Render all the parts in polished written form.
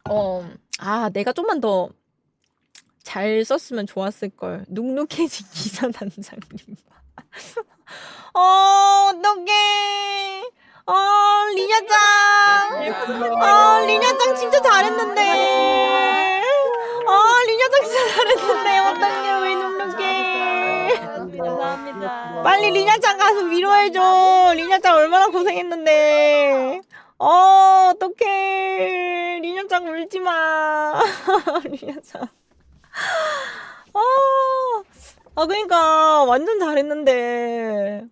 내가 좀만 더 잘 썼으면 좋았을걸. 눅눅해진 기사단장님. 어떡해. 리냐짱. 리냐짱 진짜 잘했는데. 리냐짱 진짜 잘했는데. 어떡해. 왜 눅눅해. 감사합니다. 빨리 리냐짱 가서 위로해줘. 리냐짱 얼마나 고생했는데. 어떡해. 리냐짱 울지마. 리냐짱. 그러니까 완전 잘했는데.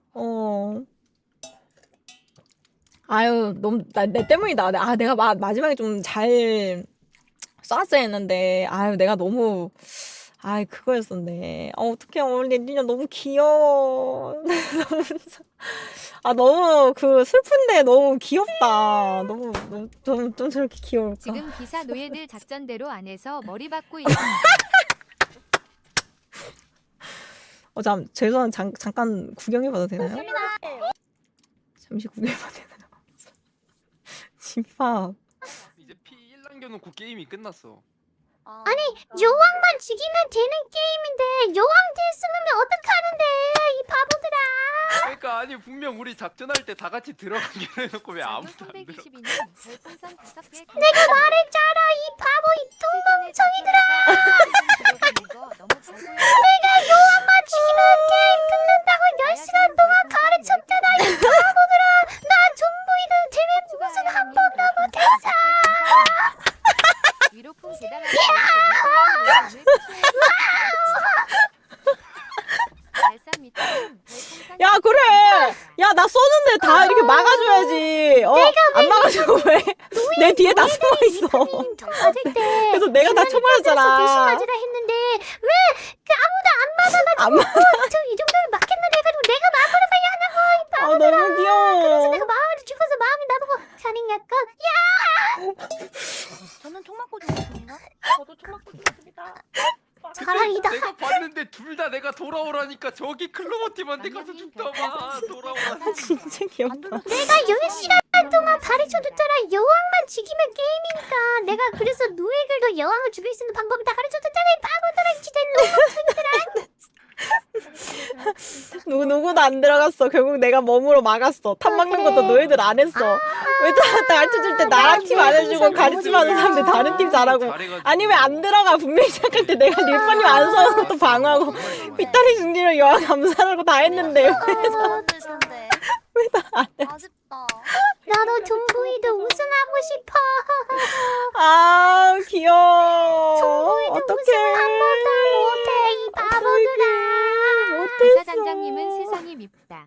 아유, 너무 내 때문이다. 내가 마지막에 좀 잘 쐈어야 했는데. 아유, 내가 너무 그거였었네. 어떡해. 리냐 너무 귀여워. 너무 슬픈데 너무 귀엽다. 너무 좀 저렇게 귀여울까. 지금 기사 노예들 작전대로 안에서 머리 박고 있습니다. 죄송한 잠깐 구경해봐도 되나요? 잠시 구경해봐도 되나요? 집합. 이제 피 1 남겨놓고 게임이 끝났어. 아니 여왕만 죽이면 되는 게임인데 여왕 됐으면 어떡하는데 이 바보들아. 그러니까 아니 분명 우리 작전할 때 다 같이 들어가기로 해놓고 왜 아무도 안 들어? 내가 말했잖아 이 바보 이 똥멍청이들아. 내가 여왕만 죽이면 게임 끝난다고 10시간 동안 가르쳤잖아 이 바보들아. 나 존보이는 대회 무슨 한 번도 못했어. 위로풍 대단하게 야, 그래. 야, 나 쏘는데 다 이렇게 막아줘야지. 안 막아주고 왜? 내 뒤에 다 숨어 있어. 맞을 때 그래서 내가 다 쳐맞았잖아. 대신맞으라 했는데 왜 아무도 안 맞아가지고 저이 정도면 맞겠나 해가지고 내가 마음으로 봐야 하냐고 이 바보들아. 너무 귀여워. 그래서 내가 마음으로 죽어서 마음이 나보고 살인약간 저는 총 맞고 죽었습니다. 저도 총 맞고 죽었습니다. 자랑이다. 내가 봤는데 둘 다 내가 돌아오라니까 저기 클로버 팀한테 가서 죽다봐 돌아오라. 진짜 귀엽다. 내가 10시간 동안 가르쳐줬잖아. 여왕만 죽이면 게임이니까. 내가 그래서 노예들도 여왕을 죽일 수 있는 방법을 다 가르쳐줬잖아. 이 바보들아 진짜 누구도 안 들어갔어. 결국 내가 몸으로 막았어. 탑 막는 것도 너희들 안 했어. 왜 다 가르쳐줄 때 나랑 팀 안 해주고 가르치면 사람들 다른 팀 잘하고. 아니 왜 안 들어가. 분명히 시작할 때 내가 릴파님 안 써서 또 방어하고 삐딱리 중지로 여왕 감사하고 다 했는데 왜 다 안 해. 아쉽다. 나도 존보이도 우승하고 싶어. 귀여워. 우승 한 번도 못해 이 바보들아. 기사단장님은 세상이 밉다.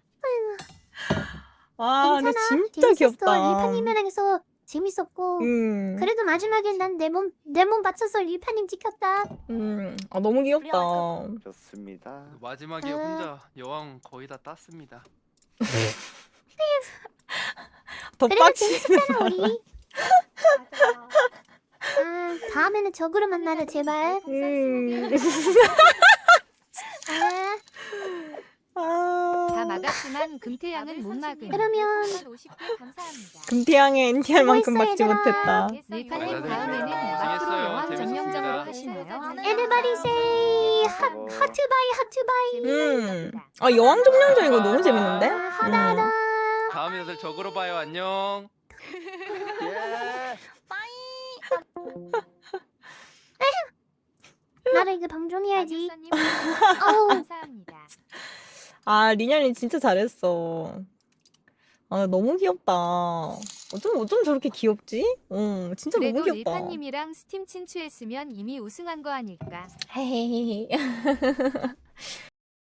근데 진짜 재밌었어. 귀엽다. 리파님이랑 해서 재밌었고 그래도 마지막엔 난 내 몸 바쳐서 리파님 지켰다. 너무 귀엽다. 좋습니다. 마지막에 혼자 여왕 거의 다 땄습니다. 더 그래도 빡치는 재밌었잖아 우리. 다음에는 적으로 만나자 제발. 다 막았지만 금태양은 못 막은. 그러면 50개 감사합니다. 금태양의 NTR만큼 수고했어, 막지 얘들아. 못했다. 릴파님 다음에는 고생했어요. 앞으로 영왕 재밌었습니다. 전명적으로 하시나요? Everybody say 하트바이 하트바이. 여왕 점령전 이거 너무 재밌는데? 하다하다. 다음에 다들 적으러 봐요. 안녕. 예. 나도 이제 방종해야지. 박유선님 어우. 감사합니다. 리냐님 진짜 잘했어. 너무 귀엽다. 어쩜 저렇게 귀엽지? 진짜 너무 그래도 귀엽다. 릴파님이랑 스팀 친추했으면 이미 우승한 거 아닐까? 헤헤헤.